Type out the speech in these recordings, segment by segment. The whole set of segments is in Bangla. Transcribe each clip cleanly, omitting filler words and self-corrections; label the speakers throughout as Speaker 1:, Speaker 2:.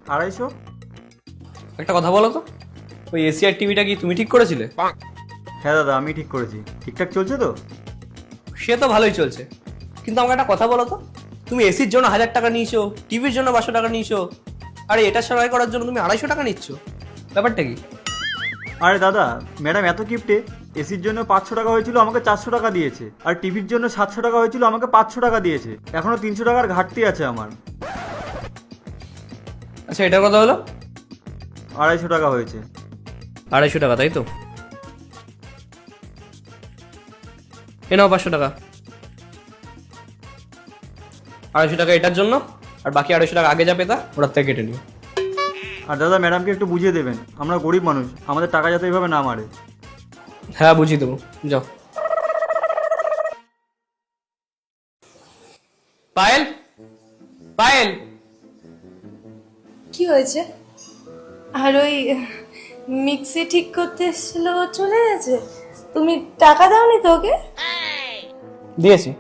Speaker 1: 250।
Speaker 2: একটা কথা বলো তো, ওই এসি আর টিভিটা কি তুমি ঠিক করেছিলে?
Speaker 1: হ্যাঁ দাদা, আমি ঠিক করেছি। ঠিকঠাক চলছে তো?
Speaker 2: সে তো ভালোই চলছে, কিন্তু আমাকে একটা কথা বলো তো, তুমি এসির জন্য 1000 টাকা নিয়েছো, টিভির জন্য 500 টাকা নিয়েছো, আরে এটা সারাই করার জন্য তুমি 250 টাকা নিচ্ছ, ব্যাপারটা কি?
Speaker 1: আরে দাদা, ম্যাডাম এত কিপটে, এসির জন্য 500 টাকা হয়েছিল, আমাকে 400 টাকা দিয়েছে। আর টিভির জন্য 700 টাকা হয়েছিল, আমাকে 500 টাকা দিয়েছে। এখনো 300 টাকার ঘাটতি আছে আমার।
Speaker 2: আচ্ছা, এটার কথা হলো
Speaker 1: 250 টাকা হয়েছে।
Speaker 2: 250 টাকা, তাই তো? এ নাও 500 টাকা। 250 টাকা এটার জন্য, আর বাকি 250 টাকা আগে যা পেতা ওটার থেকে কেটে নিও।
Speaker 1: আর দাদা, ম্যাডামকে একটু বুঝিয়ে দেবেন, আমরা গরিব মানুষ, আমাদের টাকা যাতে এইভাবে না মারে।
Speaker 2: হ্যাঁ, বুঝিয়ে দেবো, যাও। পায়েল, পায়েল,
Speaker 3: কি হয়েছে? আর ওই মিক্সি ঠিক করতে এসেছিল, ও চলে গেছে? তুমি টাকা দাওনি তো ওকে?
Speaker 2: দিয়েছি।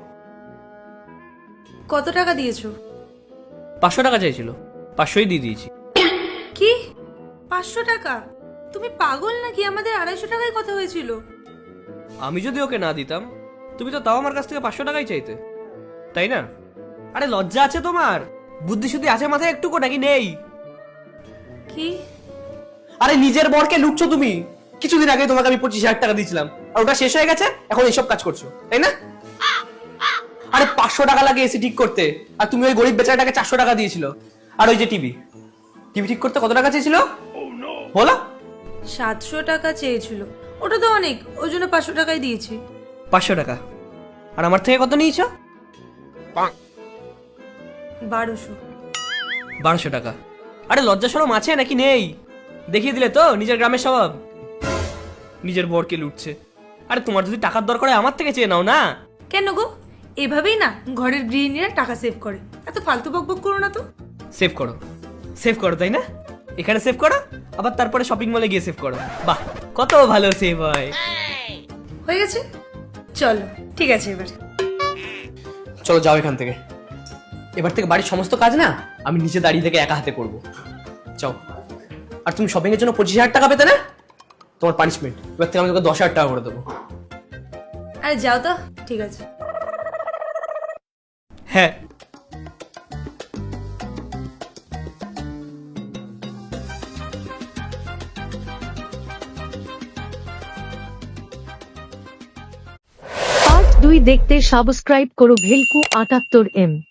Speaker 3: কত টাকা দিয়েছো?
Speaker 2: 500 টাকা চাইছিল, 500ই দিয়ে দিয়েছি।
Speaker 3: কি 500 টাকা? তুমি পাগল নাকি? আমাদের 250 টাকায় কথা হয়েছিল।
Speaker 2: আমি যদি ওকে না দিতাম, তুমি তো তাও আমার কাছ থেকে 500 টাকাই চাইতে, তাই না? আরে লজ্জা আছে তোমার? বুদ্ধি শুদ্ধি আছে মাথায় একটুকু নাকি নেই?
Speaker 3: কি?
Speaker 2: আরে নিজের বরকে লুটছো তুমি। কিছুদিন আগে তোমাকে আমি 25,000 টাকা দিয়েছিলাম, আর ওটা শেষ হয়ে গেছে, এখন এইসব কাজ করছো, তাই না? আরে 500 টাকা লাগে এসি ঠিক করতে, আর তুমি ওই গরিব বেচারাটাকে 400 টাকা দিয়েছিল। আর ওই যে টিভি ঠিক করতে কত টাকা চেয়েছিল বলো?
Speaker 3: 700 টাকা চেয়েছিল। ওটা তো অনেক, ওই জন্য 500 টাকাই দিয়েছি।
Speaker 2: 500 টাকা। আর আমার থেকে কত নিয়েছো?
Speaker 3: 1200।
Speaker 2: 1200 টাকা। আরে লজ্জা শরম আছে নাকি নেই? দেখিয়ে দিলে তো নিজের গ্রামের স্বভাব, নিজের বরকে লুটছে। আরে তোমার যদি টাকার দরকার হয় আমার থেকে চেয়ে নাও না।
Speaker 3: কেন গো? এভাবেই না ঘরের গৃহিণীরা টাকা সেভ করে। এত ফালতু বকবক করো না তো।
Speaker 2: সেভ করো, সেভ করো, তাই না? এখানে সেভ করো, আবার তারপরে শপিং মলে গিয়ে সেভ করো। বাহ, কত ভালো সেভ হয়।
Speaker 3: হয়ে গেছে, চলো। ঠিক আছে, এবার
Speaker 2: চলো যাও এখান থেকে। এবার থেকে বাড়ির সমস্ত কাজ না আমি নিচে দাঁড়িয়ে থেকে একা হাতে করবো। যাও। আর তুমি শপিং এর জন্য 25,000 টাকা পেতে না, তোমার পানিশমেন্ট। এবার থেকে আমি তোকে 10,000 টাকা করে দেবো।
Speaker 3: আরে যাও তো। ঠিক আছে।
Speaker 2: হ্যাঁ।
Speaker 4: পার্ট 2 দেখতে সাবস্ক্রাইব করো ভেলকু 78M।